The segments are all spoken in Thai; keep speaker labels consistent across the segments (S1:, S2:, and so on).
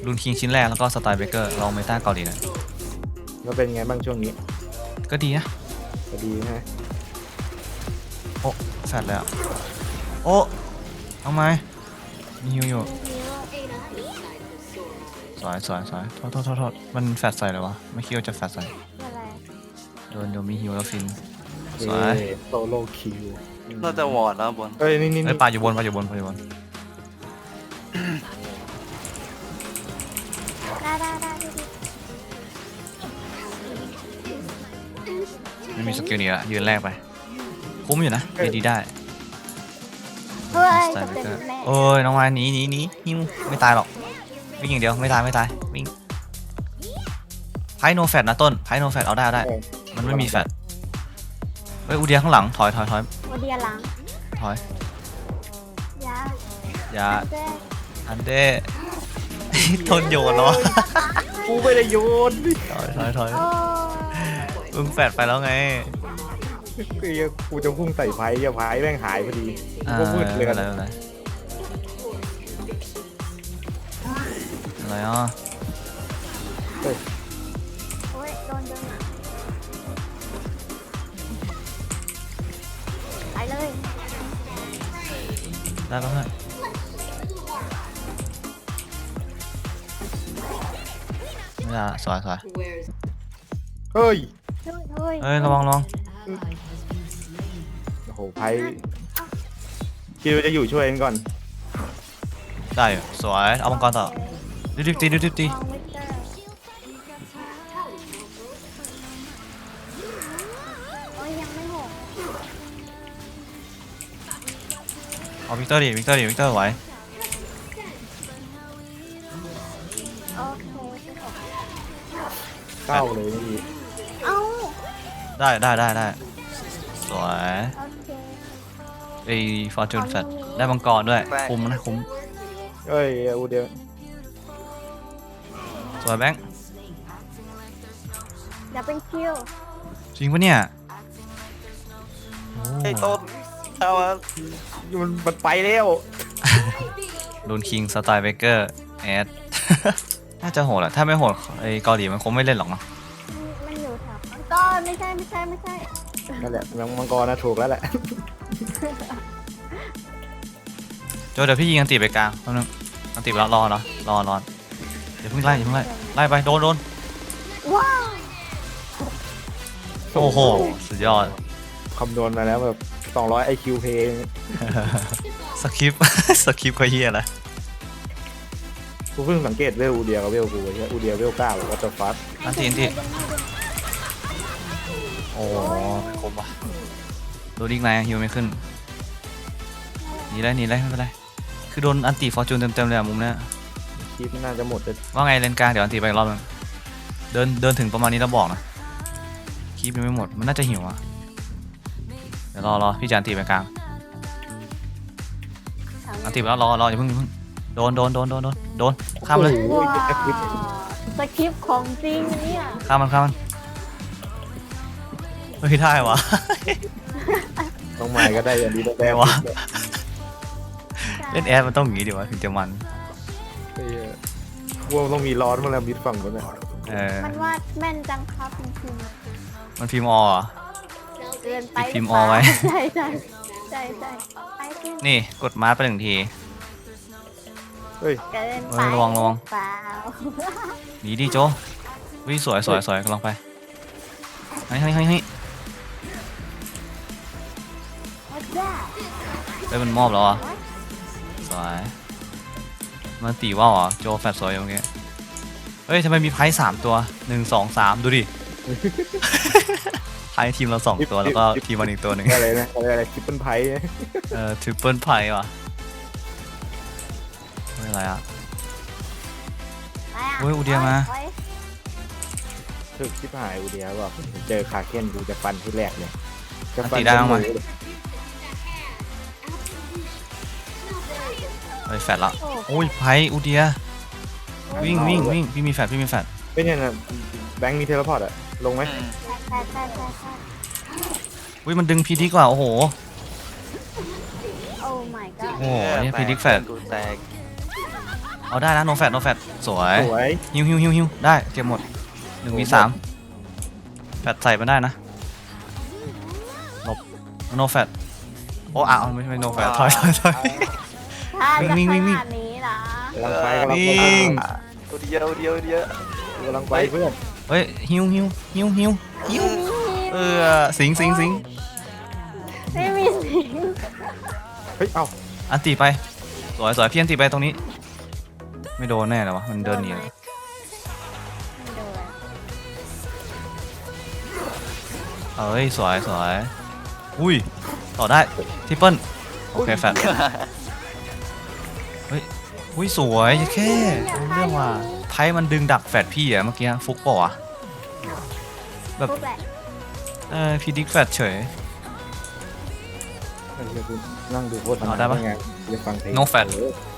S1: รุนคิงชิ้นแรกแล้วก็สไตล์เบเกอร์ลองเมตาเกาหลีนะ
S2: แล้วเป็นไงบ้างช่วงนี้
S1: ก็ดีนะ
S2: ก็ดีนะ
S1: โอ้แฟดแล้วโอ้เอาไหมมีฮิวอยู่สวยโทษมันแฟดใส่เลยวะไม่คิดว่าจะแฟดใส่โดนมีฮิวแล้วฟินสวย
S2: โซโลคิว
S3: เราจะวอร์ดแล้วบน
S2: เอ้ยนี่
S1: ปลาอยู่บนได้ไม่มีสกิลนี้ละยืนแรกไปคุ้มอยู่นะดีได้
S4: เฮ้ย
S1: สไต
S4: จะ
S1: ล์เบ
S4: เป็น
S1: เกอร์
S4: แม่
S1: โอ้ยน้องวายหนีฮิวไม่ตายหรอกวิ่งอย่างเดียวไม่ตายวิ่งไพ่โนแฟตนะต้นไพ่โนแฟตเอาได้มันไม่มีแฟตเฮ้ยอูเดียข้างหลังถอย
S4: โอเดียหลัง
S1: ถอย
S4: ยา
S1: อย่าอันเด้ต้นโยนเหรอ
S2: กูไม่ได้โยน
S1: ถอย
S4: โอ้
S1: มึงแฟดไปแล้วไง
S2: กูจะพุ่งใส่ไพ่ไพ่แม่งหายพอดีกูมืดเลย
S1: อะไรอ่ะ
S4: โอ้ยโดนไปเลย
S1: ได้แล้วเพื่อนไม่ได้สวย
S2: เฮ้ย
S1: ระวัง
S2: โอ้โหไพ่คิวจะอยู่ช่วยเองก่อน
S1: ได้สวยเอามังกรต่อรีบตีเอาวิกเตอร์ไหว
S2: เข้าเลยนี่
S1: ได้สวยไอ้ฟอร์จูนแฟตได้มังกรด้วยคุ้มคุ้ม
S2: เอ้ยอูเดียว
S1: สวยแบงค์
S4: อย่าเป็นคิว
S1: จริงปะเนี่ย
S3: ไอ้ต้นเอา
S2: มันไปแล้ว
S1: โดนคิงสไตล์เบเกอร์แอด น่าจะโหดแหละถ้าไม่โหดไอ้เกาหลีมันคงไม่เล่นหรอกเนาะ
S4: มันอยู่แถวมังกรไม่ใช่
S2: นั่นแหละมังกรนะถูกแล้วแหละ
S1: โจเดี๋ยวพี่ยิงอันตีไปกลางแป๊บนึงอันตีไปแล้วรอเนาะรออย่าเพิ่งไล่ไล่ไปโดน
S4: ว้าว
S1: โอ้โหสุดยอด
S2: คำนวณมาแล้วแบบ200 IQ เพย์
S1: สคริปต์ก็เฮียนะ
S2: กูเพิ่งสังเกตเวลอูเดียกับเวลกูอูเดียเวล9วัตถุฟัส
S1: อันตีโอ้ไม่คมว่ะโดนอีกไงฮิวไม่ขึ้นหนีเลยไม่เป็นไรคือโดนอันตีฟอร์จูนเต็มเลยมุมเนี้ย
S2: คลิปน่าจะหมดเลย
S1: ว่าไงเลนกลางเดี๋ยวอันตีไปอีกรอบนึงเดินถึงประมาณนี้แล้วบอกนะคลิปยังไม่หมดมันน่าจะหิวอ่ะเดี๋ยวรอพี่จานตีไปกลางอันตีไปแล้วรออย่าเพิ่งโดนข้ามเลย
S4: สคริปต์ของจริงเนี่ย
S1: ข้ามมันไม่ได้วะ
S2: ต้องมาก็ได้อย่างนี้ได้
S1: วะเล่นแอดมันต้องอย่างนี้ดิวะถึงจะมัน
S2: ว่าต้องมีร้อนมาแล้วมิดฝั่งบนเนี่ย
S4: มันว่าแม่นจังครับ
S1: มันพิมพ์อ
S4: เกินไป
S1: พิมพ์อไว้
S4: ใช่
S1: นี่กดมาร์คไป1 ที
S2: เฮ้ย
S1: ระวัง
S4: เปล่า
S1: หนีดิโจวิ่งสวยกำลังไปให้มันมอบแล้วอ่ะสวยมันตีว่าวอ่ะโจแฟตสวยอย่างเงี้ยเฮ้ยทำไมมีไพ่3 ตัว1 2 3ดูดิไพ่ทีมเรา2 ตัวแล้วก็ทีมมันอีกตัวหนึ่ง
S2: อะไรนะอะไรทริปเปิลไพ่
S1: ทริปเปิลไพ่ว่ะไม่อะไรอ่ะเฮ้ยอูเดียมา
S2: ถึกชิบหายอูเดียบอกเจอคาเคนกูจะฟันที่แรกเลย
S1: จะฟันได้ไหมไปแฟดละโอ้ยไพ่อูเดียวิ่งพี่มีแฟด
S2: ไม่เนี่ยนะแบงค์มีเทเลพอร์ตอะลงไหม
S1: อุ้ยมันดึงพีดีกว่าโอ้โห
S4: โอ้ my god
S1: โอ้โหนี่พีดิกแฟดเอาได้นะโนแฟตโนแฟตสวย
S2: สวย
S1: ฮิวได้เก็บหมด1v3แฟตใส่มาได้นะลบโนแฟตโอ้เอาไม่โนแฟตถอย
S4: ถ้าจะ
S1: วิ่ง
S4: ข
S1: วิ่ง
S4: นาดนี้นะ
S2: กำลังไปกำลัง
S1: วิ่
S2: ไป
S1: ง
S3: อุดีเยอะอุดีเยอะอุดีเยอะ
S2: กำลังไปเพื่อน
S1: เฮ้ยฮิวสิง
S4: ไม่มีสิง
S2: เฮ้ยเอ้า
S1: อันตีไปสวยพี่อันตีไปตรงนี้ ไม่โดนแน่เลยวะมันเดินหนีเลย
S4: ไม่โดน
S1: เอ้ยสวยอุ้ยต่อได้ทิปเปิลโอเคแฟตเฮ้ยอุ้ยสวยแค่รู้เรื่องว่าไพ่มันดึงดักแฟดพี่อะเมื่อกี้ฟุกเปล่าวะแบบ
S4: ปุ๊บแหละ
S1: พี่ดิกแฟดเฉย
S2: เดี๋ยวกูนั่งดูโคตร
S1: เอาได้ปะ
S2: งจะฟังเพลง
S1: No fat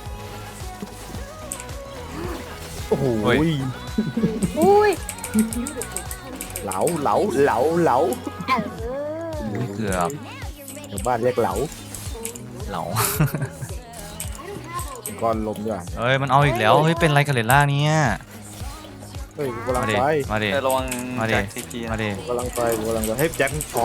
S2: โอ้โห
S1: เฮ้ย
S4: อุ้ย
S2: เหลา
S4: เออ
S1: อุ้ยเกือบ
S2: ชาวบ้านเรียกเหลา
S1: เหลา
S2: ก้อนลมด้วย
S1: เฮ้ยมันเอาอีกแล้วเฮ้ยเป็นไรกันเลล่าเนี่ย
S2: เฮ้ยกูกำลัง
S1: มาดิ
S2: ไป
S1: มาดิ
S3: ระวัง
S1: มาดิ
S3: จากทีพี
S1: มาดิ
S2: กูกำลังไปเฮ้ยแจ็คขอ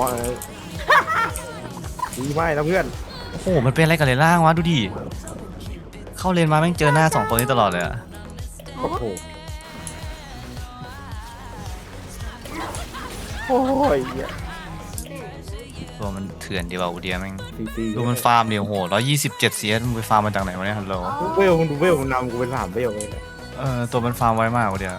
S2: ดีไม่นะเพื่อน
S1: โอ้โหมันเป็นไรกันเลล่าวะดูดิเข้าเลนมาแม่งเจอหน้าสองคนนี้ตลอดเลยอะ
S2: โอ้โหโอ้ย
S1: ตัวมันเถื่อนดีว่ะอูเดียแม่ง
S2: ตี
S1: ดูมันฟาร์มเดียวโห127 CS มึงไปฟาร์มมาจากไหนวะเนี่ยฮัลโหล
S2: เวลมึงดูเวลมึงนำกูเป็น3เวลเลย
S1: ตัวมันฟาร์มไวมากอูเดีย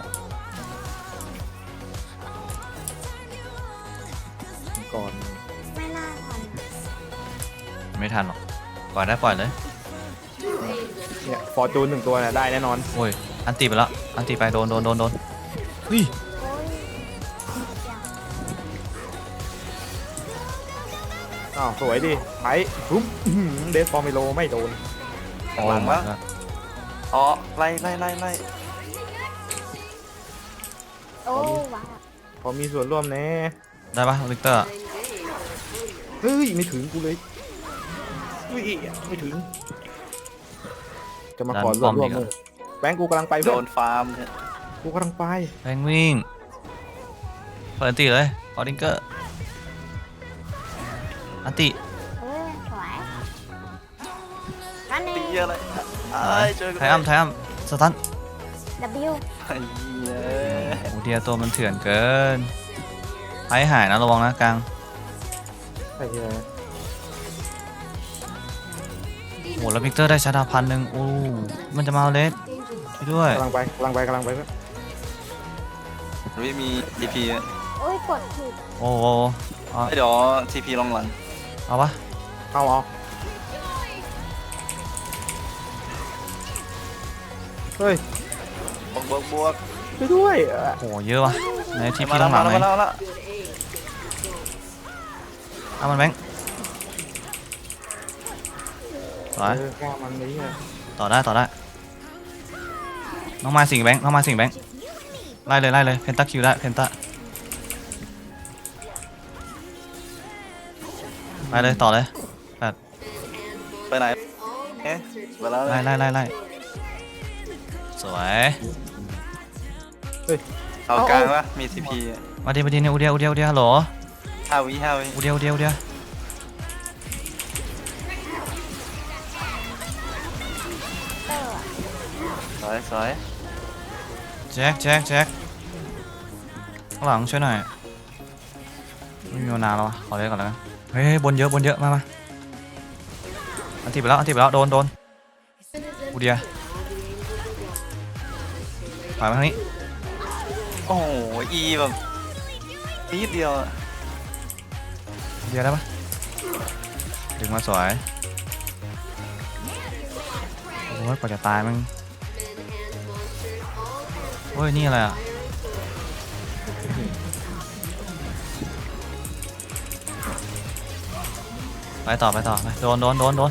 S2: ก่อน
S4: ไม่น่าทัน
S1: ไม่ทันหรอกปล่อยได้ปล่อยเลย
S2: เนี่ยฟอร์จูน1ตัวน่ะได้แน่นอน
S1: โอ้ยอันตีไปแล้วอันตีไปโดนเฮ้ย
S4: โอ้ย
S2: อ้าวสวยดิไปปุ๊บเดสฟอร์มิโลไม่โดน
S1: โอ้ย
S3: อ๋อไล่
S4: โอ้ว้าว
S2: พอมีส่วนร่วมแน่
S1: ได้ปะวิกเตอร์
S2: เฮ้ยไม่ถึงกูเลยอุ้ยไม่ถึง จะมาขอร่วมเลยแบงค์กูกำลังไป
S3: โด
S2: เพื่อน
S3: นฟาร์มเนี่ย
S2: กูกำลังไป
S1: แบงวิ่งเปิดอันตีเลยออดิงเกอร์อันตี
S4: เฮ้ยสวยกันเอ
S3: ตี
S4: ง
S3: เยอะเลยไอ้เจอ
S1: ไทอัมสตัน
S4: W
S3: ไอ้เหี้ย
S1: อูเดียตัวมันเถื่อนเกินไพ่หายนะระวังนะกลาง
S2: ไอ้เหี้ย
S1: โอ้แล้ววิกเตอร์ได้ชาดา1,000โอ้มันจะมาเอาเลสช่วยด้วย
S2: กำลังไปเพื่อน
S3: ไม่มีทีพี
S4: โอ้ยกดผิด
S1: โอ้โหเอา
S3: เดี๋ยวทีพีลงหลัง
S1: เอาปะ
S2: เอาเฮ้ย
S3: บวก
S2: ช่วยด้วย
S1: โอ้เยอะวะในทีพี
S3: มา
S1: ต้
S3: แล้
S1: อ
S3: ว
S1: งหลั
S3: มาง
S1: ไหม
S3: แล้ว
S1: เอามันแบงค์ต่อ
S2: ฆ่ามันเลยเนี่ย
S1: ต่อได้น้องมาสิงแบงค์ไล่เลยเพนตาคิวได้เพนตาไปเลยต่อเลย
S3: ไปไหนเอ๊ะไปแล้ว
S1: ไล่สวย
S3: เอากลางวะมีทีพี
S1: มาดิเนี่ยอูเดียฮัลโหล
S3: 5 วิ
S1: อูเดีย
S4: เตอร์
S3: สวย
S1: แจ็คข้างหลังช่วยหน่อยไม่มีมานานแล้ววะขอเล่นก่อนแล้วกันเฮ้ยบนเยอะมาอันตีไปแล้วโดนอูเดียไปมาทางนี้
S3: โอ้โหอีแบบนิดเดียว
S1: อูเดียได้ปะดึงมาสวยโอ้ยกว่าจะตายมั้งโอ้ยนี่อะไรอ่ะไปต่อไปโดน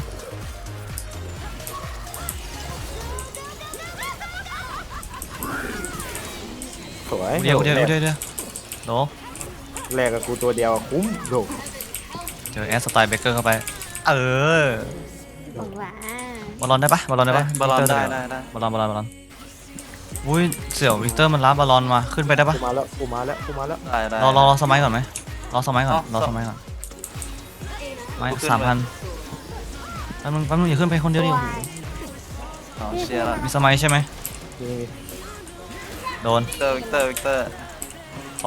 S2: สวย
S1: เดียวโด
S2: แลกกับกูตัวเดียวคุ้มโด
S1: เจอแอสสไตล์เบเกอร์เข้าไป เออ
S4: ว้าว
S1: บอลลอนได้ปะบอลลอนได้ปะ
S3: บอลลอน
S1: วิกเต
S3: ได้
S1: ร์
S3: ได้ได้
S1: บอลลอนบอลลอนบอลลอนอุ้ยเสี่ยววิกเตอร์มันรับบอลลอนมาขึ้นไปได้ปะ
S2: กูมาแล้วกูมาแล้วกูมาแล้ว
S3: ได้ได้
S1: รอสมัยก่อนไหมรอสมัยก่อน
S3: อ๋อ
S1: รอสมัยก่อนไม่
S3: กูขึ้น
S1: 3,000แป๊บนึงอย่าขึ้นไปคนเดียวดิ
S4: วา
S1: โอ้โห
S4: ย
S3: อ๋อเชียร์ละ
S1: มีสมัยใช่ไหม
S2: นี่
S1: โดน
S3: วิกเตอร์วิกเตอร์
S1: ขอ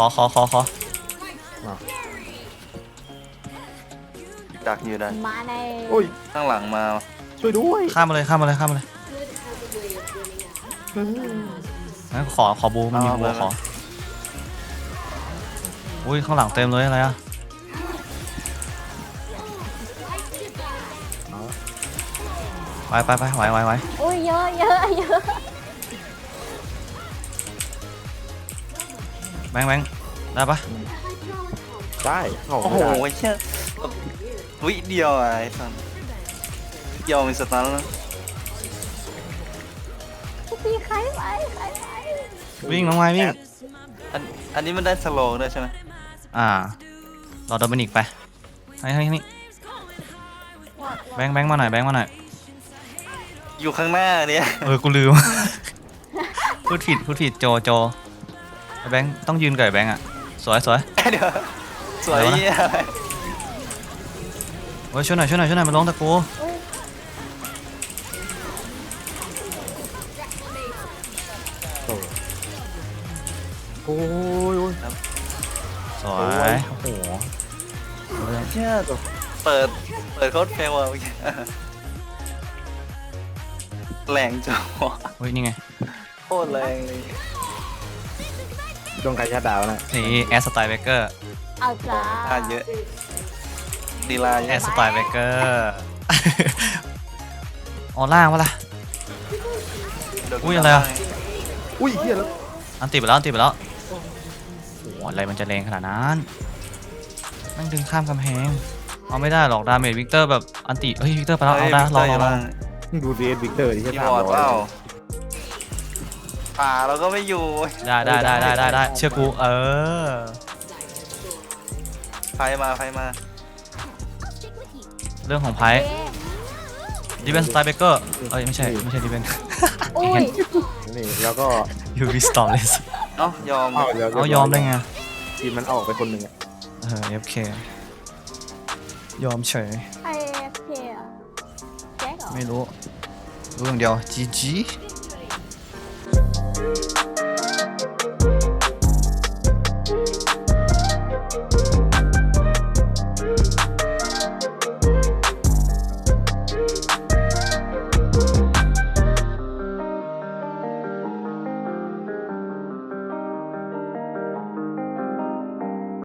S3: ดักอยู่ได้
S4: มาใน
S2: โอ้ย
S3: ข้างหลังมา
S2: ช่วยด้วย
S1: ข้ามมาเลยงั้นขอบูมันมีบูขออุ้ยข้างหลังเต็มเลยอะไรอะไปไหว
S4: อุ้ยเยอะเยอะเยอะ
S1: แบงค์ได้ปะ
S2: ได้เข้า
S3: โอ้โห
S2: ไม่ได้
S3: เชี่ยวิเดียวอ่ะไอ้สันเดียวมีสตันแล้ว
S4: ตีใครไปใครไป
S1: วิ่งน้องไม้วิ่ง
S3: อันนี้มันได้สโลว์ด้วยใช่ไหม
S1: รอโดมินิกไปให้นี่แบงค์มาหน่อย
S3: อยู่ข้างหน้าเนี่ย
S1: กูลืม พูดผิดโจไอ้แบงค์ต้องยืนกับไอ้แบงค์อะสวย
S3: เดี๋ยวสวย
S1: อะไรวะนะ
S3: เหี้ยอะไร
S1: โอ้ยช่วยหน่อยมาลงตะกู
S4: อุ้ย
S2: โอ้ยโอ้ย
S1: สวยโอ้โห
S3: เชี่ยเปิดโคตรเฟลอะเมื่อกี้แรงจังวะ
S1: เฮ้ยนี่ไง
S3: โคตรแรงเลย
S2: ดวงใครชาดาวนะ
S1: นี่แอสสไตล์เบเกอร์
S4: เอาจ้า
S3: ท่าเยอะดีลาเย
S1: แอ
S3: อะ
S1: สสไตล์เบเกอร์อ๋อล่างวะล่ะ อุ้ยอะไรอะ
S2: อุ้ยเฮียแล้ว
S1: อันติดไปแล้วโอ้โหอะไรมันจะแรงขนาดนั้นแม่งดึงข้ามกำแพงเอาไม่ได้หรอกดาเมจวิกเตอร์แบบอันติเฮ้ยวิกเตอร์ไปแล้วเอาได้รอ
S2: ดูดีเอ็นวิกเตอร์ที่
S3: คี
S2: จะ
S3: ย์บอร์ดเปล่าป่าเราก็ไม่อยู่
S1: ได้เชื่อกู
S3: ไฟมา
S1: เรื่องของไพ่
S4: เอ๊ะ
S1: ดิเวนสไตล์เบเกอร์ไม่ใช่ดิเวน
S4: อุ้ย
S2: นี่แล้วก็
S1: ยูวิสตอมเลส
S3: เนาะยอม
S1: เอายอมได้ไง
S2: ทีมมันออกไปคนหนึ่งอะ
S1: FK ยอมเฉย
S4: ใครเพียแจ็คเหรอ
S1: ไม่รู้อย่างเดียว GG